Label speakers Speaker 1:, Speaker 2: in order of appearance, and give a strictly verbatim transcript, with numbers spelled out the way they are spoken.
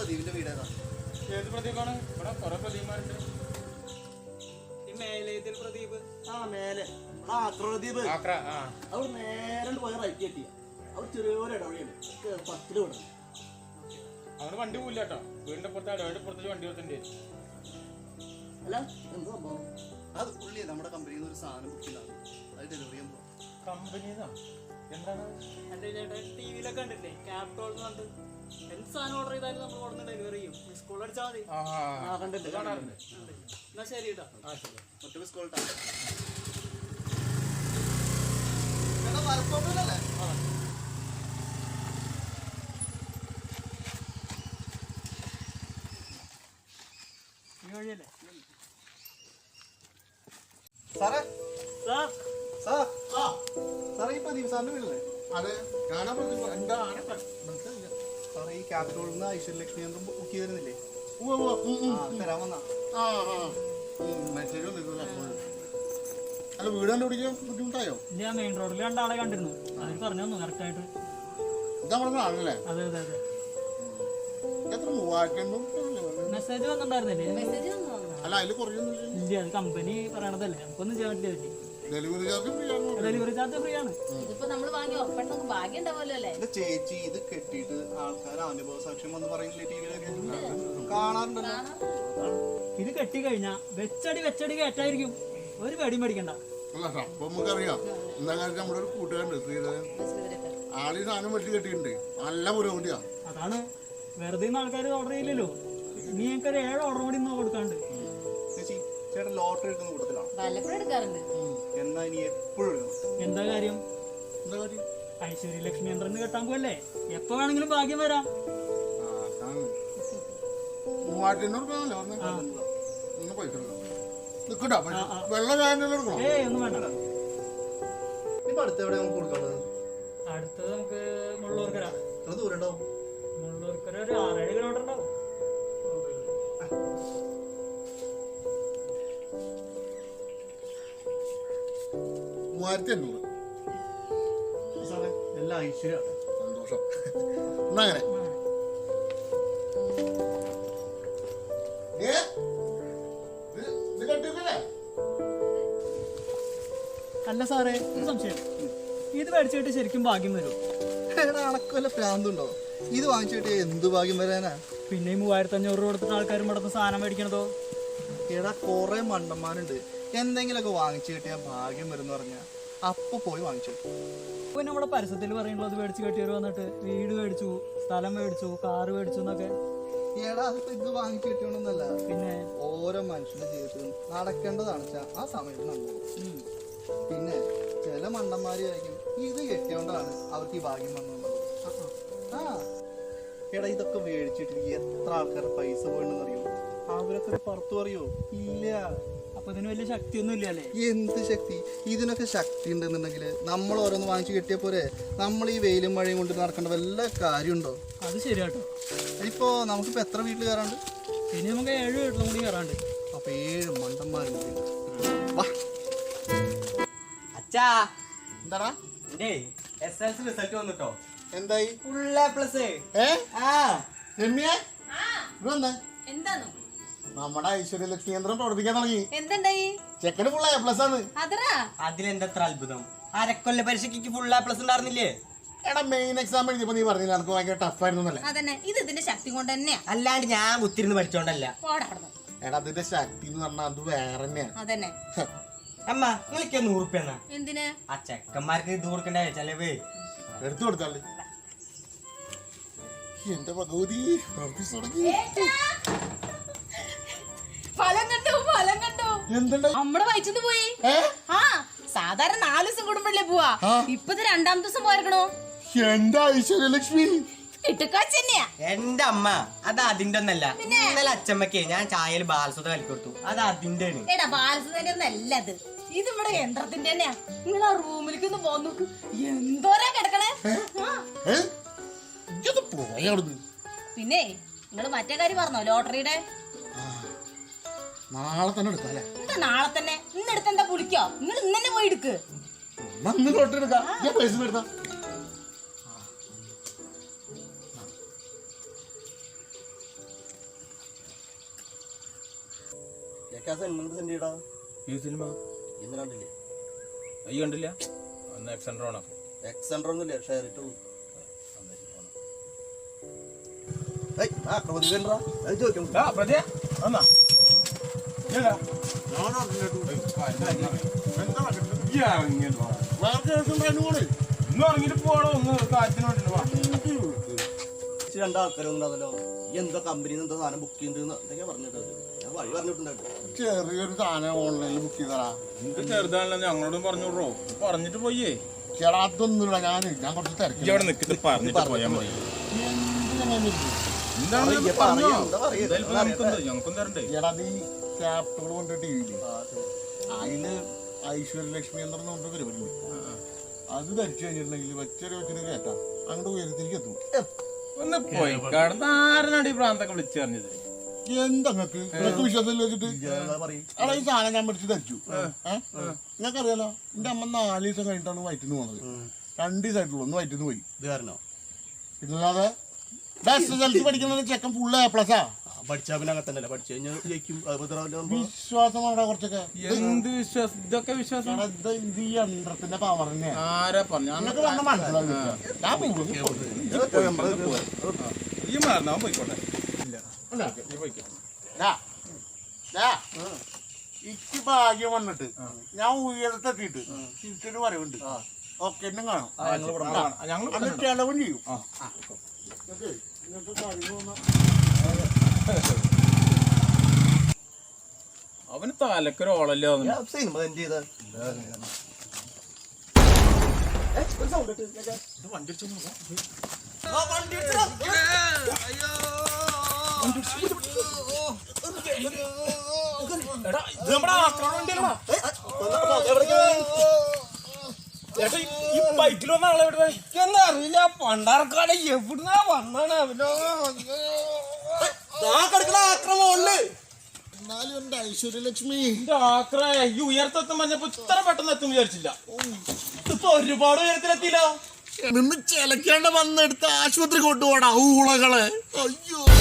Speaker 1: പ്രദീപിന്റെ വീട് ഏതാ?
Speaker 2: ഏത് പ്രദീപാണ്? ഇവിടെ കുറെ പ്രദീപന്മാരുണ്ട്.
Speaker 3: ഈ മേലേതിൽ പ്രദീപ്.
Speaker 1: ആ മേലെ പ്രദീപ് അവർ നേരെ പോയ റൈറ്റ് കെട്ടിയ അവർ ചെറിയൊരു ഇടവഴിയാണ് പത്തില് വിടണം.
Speaker 2: അവന് വണ്ടി പോയില്ല കേട്ടോ. വീടിന്റെ പുറത്ത് ഇടവഴിയുടെ പുറത്തേക്ക് വണ്ടി കൊടുത്തിട്ടുണ്ട്.
Speaker 1: അല്ല എന്താ സംഭവം? അത് പുള്ളി നമ്മുടെ കമ്പനിയിൽ നിന്ന് ഒരു സാധനം ബുക്ക് ചെയ്താണ്, അത് ഡെലിവറി ചെയ്യാൻ പോകും.
Speaker 2: കമ്പനിന്നാ? എന്താണ്?
Speaker 3: എന്റെ ചേട്ടാ ടി വിയിലൊക്കെ കണ്ടില്ലേ ക്യാപ്റ്റോൾ എന്ന് പറഞ്ഞിട്ട് എന്ത് സാധനം ഓർഡർ ചെയ്താലും നമ്മൾ കൊടുന്ന് ഡെലിവറി ചെയ്യും. മിസ് കോൾ അടിച്ചാൽ മതി.
Speaker 2: കാണാറുണ്ട്.
Speaker 3: എന്നാ ശരി കേട്ടോ.
Speaker 1: ഒറ്റ മിസ് കോൾ ഇട്ടാ വർക്കൗട്ടല്ലേ?
Speaker 3: ഈ വഴിയല്ലേ
Speaker 1: സാറേ?
Speaker 3: സാർ
Speaker 1: സാർ സാറേ ഈ പ്രദീപ് സാറിന്റെ വീടല്ലേ?
Speaker 4: അതെ, ഞാനാ പ്രദീപ്. എന്താ മനസ്സിലായില്ല
Speaker 1: സാറേ ഈ ക്യാപിറ്റോളിൽ നിന്ന് ഐശ്വര്യലക്ഷ്മി യന്ത്രം ബുക്ക് ചെയ്തിരുന്നില്ലേ? തരാൻ വന്നാ.
Speaker 4: ആ ആ മെസ്സേജ് വന്നിട്ടില്ല. അല്ല വീട് കണ്ടുപിടിക്കാൻ ബുദ്ധിമുട്ടായോ?
Speaker 3: ഞാൻ മെയിൻ റോഡിൽ രണ്ടാളെ കണ്ടിരുന്നു. അതിൽ പറഞ്ഞു തന്നു കറക്റ്റ് ആയിട്ട്.
Speaker 4: ഇതാ നമ്മുടെ ആളല്ലേ?
Speaker 3: അതെ അതെ അതെ.
Speaker 4: എത്ര മൂവായിരത്തി
Speaker 3: മെസ്സേജ് വന്നിട്ടുണ്ടായിരുന്നില്ലേ?
Speaker 4: അല്ല അതില് കുറയൊന്നുമില്ല.
Speaker 3: ഇല്ല, അത് കമ്പനി പറയണതല്ലേ, നമുക്കൊന്നും ചെയ്യാൻ പറ്റില്ല.
Speaker 4: ഡെലിവറി ചാർജ് ഫ്രീ ആണ്.
Speaker 3: ഡെലിവറി ചാർജ് ഫ്രീ ആണ്.
Speaker 5: ഇതിപ്പോ നമ്മള് വാങ്ങി ഉറപ്പായിട്ട് ഭാഗ്യം ഉണ്ടാവുമല്ലോ അല്ലേ?
Speaker 1: ചേച്ചി ഇത് കെട്ടിയിട്ട് ആൾക്കാർ അനുഭവ സാക്ഷ്യം വന്ന് പറയുന്നില്ലേ ടി വിയിലൊക്കെ കാണാറുണ്ടല്ലോ.
Speaker 3: ഇത് കെട്ടി കഴിഞ്ഞാ വെച്ചടി വെച്ചടി കയറ്റായിരിക്കും. ഒരു പേടിയും പേടിക്കണ്ട.
Speaker 4: അല്ല അപ്പൊ നമുക്കറിയാം. എന്താ കാര്യം, നമ്മുടെ ഒരു കൂട്ടുകാരുണ്ട് ശ്രീധരൻ, ആളീ സാധനം വെട്ടി കെട്ടിയിട്ടുണ്ട്. നല്ല പുരോഗതിയാ.
Speaker 3: അതാണ് വെറുതെ ആൾക്കാർ ഓർഡർ ചെയ്യില്ലല്ലോ. ഇനി ഞങ്ങൾക്ക് ഒരു ഏഴ് ഓർഡർ കൂടി ഇന്ന് കൊടുക്കാണ്ട്.
Speaker 1: ചേച്ചി ചേട്ടൻ ലോട്ടറി എടുക്കുന്ന കൂട്ടത്തിലാണ്?
Speaker 5: വല്ലപ്പോഴും എടുക്കാറുണ്ട്.
Speaker 1: എന്നാ ഇനി എപ്പോഴും എടുക്കണം.
Speaker 3: എന്താ കാര്യം?
Speaker 4: എന്താ കാര്യം?
Speaker 3: ഐശ്വര്യ ലക്ഷ്മി യന്ത്രം കെട്ടാൻ പോയല്ലേ, എപ്പോ വേണമെങ്കിലും ഭാഗ്യം വരാം.
Speaker 4: മൂവായിരത്തി അഞ്ഞൂറ് രൂപ പറഞ്ഞ പൈസ നിക്കട്ടോ. വെള്ളം കാര്യം എടുക്കണം.
Speaker 3: ഏയ് ഒന്നും വേണ്ട.
Speaker 1: ഇപ്പൊ അടുത്ത് എവിടെ നമുക്ക് കൊടുക്കാനുള്ളത്?
Speaker 3: അടുത്തത് നമുക്ക് മുള്ളൂർക്കര.
Speaker 1: എത്ര ദൂരം ഉണ്ടാവും?
Speaker 3: മുള്ളൂർക്കര ഒരു ആറേഴ് കിലോമീറ്റർ ഉണ്ടാവും.
Speaker 4: മൂവായിരത്തി അഞ്ഞൂറ്.
Speaker 1: സാറേ എല്ലാം ഐശ്വര്യാണ്.
Speaker 4: സന്തോഷം. എന്നാ അങ്ങനെ
Speaker 3: അല്ല സാറേ, ഒരു സംശയം. ഇത് മേടിച്ചിട്ട് ശരിക്കും ഭാഗ്യം വരും?
Speaker 1: അണക്കല്ല പ്രാന്തുണ്ടോ? ഇത് വാങ്ങിച്ചിട്ട് എന്ത് ഭാഗ്യം വരാനാ?
Speaker 3: പിന്നെ ഈ മൂവായിരത്തി അഞ്ഞൂറ് രൂപ കൊടുത്തിട്ട് ആൾക്കാരും ഇവിടുത്തെ സാധനം മേടിക്കണതോ?
Speaker 1: എടാ കൊറേ മണ്ടന്മാരുണ്ട് എന്തെങ്കിലുമൊക്കെ വാങ്ങിച്ചു കിട്ടിയാൽ ഭാഗ്യം വരും എന്ന് പറഞ്ഞാൽ അപ്പൊ പോയി വാങ്ങിച്ചു.
Speaker 3: പിന്നെ നമ്മുടെ പരസ്യത്തിൽ പറയുന്നത് മേടിച്ച് കെട്ടിയവർ വന്നിട്ട് വീട് മേടിച്ചു, സ്ഥലം മേടിച്ചു, കാറ് മേടിച്ചു എന്നൊക്കെ.
Speaker 1: എടാ അതിപ്പോ ഇത് വാങ്ങിച്ചു കിട്ടിയോണ്ടൊന്നല്ല,
Speaker 3: പിന്നെ
Speaker 1: ഓരോ മനുഷ്യന്റെ ജീവിതത്തിലും നടക്കേണ്ടതാണ് ആ സമയത്ത് നമ്മൾ. പിന്നെ ചില മണ്ടന്മാര് ആയിരിക്കും ഇത് കെട്ടിയോണ്ടാണ് അവർക്ക് ഈ ഭാഗ്യം വന്നത്. ആ എടാ ഇതൊക്കെ മേടിച്ചിട്ട് എത്ര ആൾക്കാരുടെ പൈസ പോയെന്ന് അറിയോ? അവരൊക്കെ പുറത്തു പറയോ? ഇല്ല.
Speaker 3: അപ്പൊ ഇതിന് വലിയ ശക്തിയൊന്നും ഇല്ല അല്ലേ?
Speaker 1: എന്ത് ശക്തി? ഇതിനൊക്കെ ശക്തി ഉണ്ടെന്നുണ്ടെങ്കിൽ നമ്മൾ ഓരോന്ന് വാങ്ങിച്ചു കിട്ടിയ പോരെ. നമ്മൾ ഈ വെയിലും മഴയും കൊണ്ട് നടക്കേണ്ട വല്ല കാര്യമുണ്ടോ?
Speaker 3: അത് ശരിയാട്ടോ.
Speaker 1: ഇപ്പോ നമുക്കിപ്പോ എത്ര വീട്ടിൽ കയറാണ്ട്?
Speaker 3: ഇനി നമുക്ക് ഏഴ് വീട്ടിലും കൂടി കയറാണ്ട്.
Speaker 1: അപ്പൊ ഏഴ് മണ്ടന്മാരുണ്ട്.
Speaker 6: അച്ഛാ
Speaker 4: എന്താടാ
Speaker 6: എസ് എൽ സി റിസൾട്ട് വന്നിട്ടോ?
Speaker 4: എന്തായി?
Speaker 6: Full A plus.
Speaker 4: ഏ രമ്യേ ഇതെന്താ?
Speaker 5: എന്താണോ
Speaker 4: നമ്മുടെ ഐശ്വര്യലക്ഷ്മി യന്ത്രം പ്രവർത്തിക്കാൻ തുടങ്ങി.
Speaker 5: എന്തുണ്ടായി?
Speaker 4: ചെക്കന് ഫുൾ എ പ്ലസ് ആണ്.
Speaker 5: അതറാ
Speaker 6: അതിലെന്തത്ര അത്ഭുതം? അരക്കൊല്ല പരീക്ഷയ്ക്ക് ഫുൾ എ പ്ലസ് ഉണ്ടായിരുന്നില്ലേ?
Speaker 4: എടാ മെയിൻ എക്സാം എഴുതിയപ്പോ നീ പറഞ്ഞില്ല എനിക്ക് ഭയങ്കര ടഫ് ആയിരുന്നു അല്ലേ?
Speaker 5: അതന്നെ, ഇത് ഇതിന്റെ ശക്തി കൊണ്ട് തന്നെയാ.
Speaker 6: അല്ലാണ്ട് ഞാൻ കുത്തിരുന്ന് പഠിച്ചോണ്ടല്ല.
Speaker 4: എടാ അതിന്റെ ശക്തി എന്ന് പറഞ്ഞാൽ അത് വേറെ തന്നെയാ.
Speaker 5: അതന്നെ.
Speaker 6: അമ്മ നിങ്ങൾക്ക് നൂറുപ്യെന്നാ?
Speaker 5: എന്തിന്?
Speaker 6: ആ ചെക്കന്മാർക്ക് ഇത് കൊടുക്കണ്ടേ ചെലവ്?
Speaker 4: എടുത്തു കൊടുത്താല് എന്റെ ഭഗവതി
Speaker 5: ഫലം കണ്ടു, ഫലം കണ്ടു.
Speaker 4: എന്തുണ്ടാ?
Speaker 5: നമ്മുടെ വയറ്റിന്ന് പോയി. ആ സാധാരണ നാല് ദിവസം കൂടുമ്പോഴല്ലേ പോവാ, ഇപ്പത് രണ്ടാം ദിവസം പോയിരിക്കണോ?
Speaker 4: എന്റെ ഐശ്വര്യലക്ഷ്മി
Speaker 5: ഇട്ടുക്കാച്ചന്നെയാ.
Speaker 6: എന്റെ അമ്മ അത് അതിന്റെ ഒന്നല്ല. ഇന്നലെ അച്ഛമ്മക്ക് ഞാൻ ചായയിൽ ബാലസുത കളി കൊടുത്തു, അത് അതിന്റെ ആണ്.
Speaker 5: എടാ ബാലസുതന്റെ ഒന്നല്ല അത്, ഇത് ഇവിടെ യന്ത്രത്തിന്റെ തന്നെയാ. നിങ്ങൾ ആ റൂമിലേക്ക് ഒന്ന് പോന്നു നോക്ക്, എന്തോരാ കിടക്കണേ. പിന്നെ നിങ്ങള് മറ്റേ കാര്യം പറഞ്ഞോ ലോട്ടറിയുടെ?
Speaker 4: നാളെ തന്നെ എടുക്കാല്ലേ?
Speaker 5: എന്താ നാളെ തന്നെ? ഇന്നെടുത്ത് എന്താ പുളിക്കോ? നിങ്ങൾ ഇന്ന് തന്നെ പോയി എടുക്ക്.
Speaker 4: ലോട്ടറി എടുക്കാം. ഞാൻ പൈസ എടുത്താ
Speaker 2: ഈ സിനിമ അയ്യ കണ്ടില്ല അന്ന് എക്സെൻട്രോണ പ്രതിയ എന്നാ ഇന്ന് ഇറങ്ങിട്ട് പോകണോ ഒന്ന് കാറ്റിന് വേണ്ടിട്ട്
Speaker 1: രണ്ടാൾക്കാരൊന്നുണ്ടാവല്ലോ എന്താ കമ്പനിയിൽ നിന്ന് എന്താ സാധനം ബുക്ക് ചെയ്യുന്നത് എന്തൊക്കെയാ പറഞ്ഞിട്ട് ഞാൻ വഴി പറഞ്ഞിട്ടുണ്ടായിരുന്നു.
Speaker 4: ചെറിയൊരു സാധനം ഓൺലൈനിൽ ബുക്ക് ചെയ്തടാ.
Speaker 2: നിനക്ക് ചെറുതാണല്ലോ ഞങ്ങളോടും പറഞ്ഞു വിടറോ പറഞ്ഞിട്ട് പോയേ
Speaker 4: ചേടാ അതൊന്നുമില്ല. ഞാൻ ഞാൻ കുറച്ച് തിരക്കി
Speaker 2: ഇവിടെ നിൽക്കിട്ട് പറഞ്ഞിട്ട് പോയാൽ മതി. എന്താണ് ഞങ്ങൾക്കും തരണ്ടേ?
Speaker 4: ചേടാ അത് ഈ ക്യാപ്റ്റോൾ കൊണ്ട് ടി വിയില് അതില് ഐശ്വര്യലക്ഷ്മി എന്ന് പറഞ്ഞ പരിപാടി അത് ധരിച്ചു കഴിഞ്ഞിട്ടുണ്ടെങ്കിൽ വെച്ചൊരു വെച്ചിട്ട് കേട്ടാ അങ്ങോട്ട് ഉയരത്തിലേക്ക് എത്തും.
Speaker 2: ഒന്ന് പോയി കടന്ന് ആരനാണ് ഈ പ്രാന്തൊക്കെ വിളിച്ചു പറഞ്ഞത്?
Speaker 4: എന്തങ്ങൾക്ക് വിശ്വാസം വെച്ചിട്ട് അവിടെ ഈ സാധനം ഞാൻ മേടിച്ച് ധരിച്ചു. ഏഹ് നിങ്ങൾക്കറിയാലോ എന്റെ അമ്മ നാല് ദിവസം കഴിഞ്ഞിട്ടാണ് വയറ്റിന്ന് പോകുന്നത്. രണ്ട് ദിവസമായിട്ടുള്ളൂ ഒന്ന് വയറ്റിന്ന് പോയി. പിന്നല്ലാതെ എസ് എസ് എൽ സി പഠിക്കുന്ന ചെക്കൻ ഫുള്ള് എ പ്ലസാ.
Speaker 1: പഠിച്ചാൽ പിന്നെ അങ്ങനെ തന്നെ പഠിച്ചു കഴിഞ്ഞാൽ ജയിക്കും.
Speaker 4: വിശ്വാസമാണ് കുറച്ചൊക്കെ.
Speaker 2: എന്ത് വിശ്വാസം? ഇതൊക്കെ വിശ്വാസം
Speaker 4: ഇത് ഇത് ഈ യന്ത്രത്തിന്റെ പവർ തന്നെയാണ്.
Speaker 2: ആരാ പറഞ്ഞു?
Speaker 4: നിങ്ങൾക്ക് പറഞ്ഞ മനസ്സിലാവില്ല. ഞാൻ പോകും.
Speaker 2: ഈ മാറുന്ന പോയിക്കോട്ടെ. ഇല്ല നീ പോയിക്കോ.
Speaker 4: എനിക്ക് ഭാഗ്യം വന്നിട്ട് ഞാൻ ഉയരത്തെത്തിയിട്ട് തിരിച്ചൊരു വരവുണ്ട്. ഓക്കെ എന്നും കാണും.
Speaker 2: ഞങ്ങൾ
Speaker 4: ചെലവും ചെയ്യും.
Speaker 2: അവന് തലക്കൊരു ഓളല്ലോ
Speaker 1: സിനിമ ചെയ്ത
Speaker 6: അറിയില്ല പണ്ടാർക്കാട് എവിടുന്നാ വന്നാണ് അവനോ
Speaker 1: ആക്രമണ
Speaker 4: എന്നാലും എന്റെ ഐശ്വര്യലക്ഷ്മി
Speaker 2: ആക്രേ ഈ ഉയർത്തെത്തും പറഞ്ഞപ്പോ ഇത്ര പെട്ടെന്ന് എത്തും വിചാരിച്ചില്ല.
Speaker 1: ഇപ്പൊ ഒരുപാട് ഉയരത്തിലെത്തിയില്ലോ.
Speaker 4: നിന്ന് ചിലക്കാണ്ട് വന്നെടുത്ത് ആശുപത്രി കൊണ്ടുപോടാ ഊളകളെ. അയ്യോ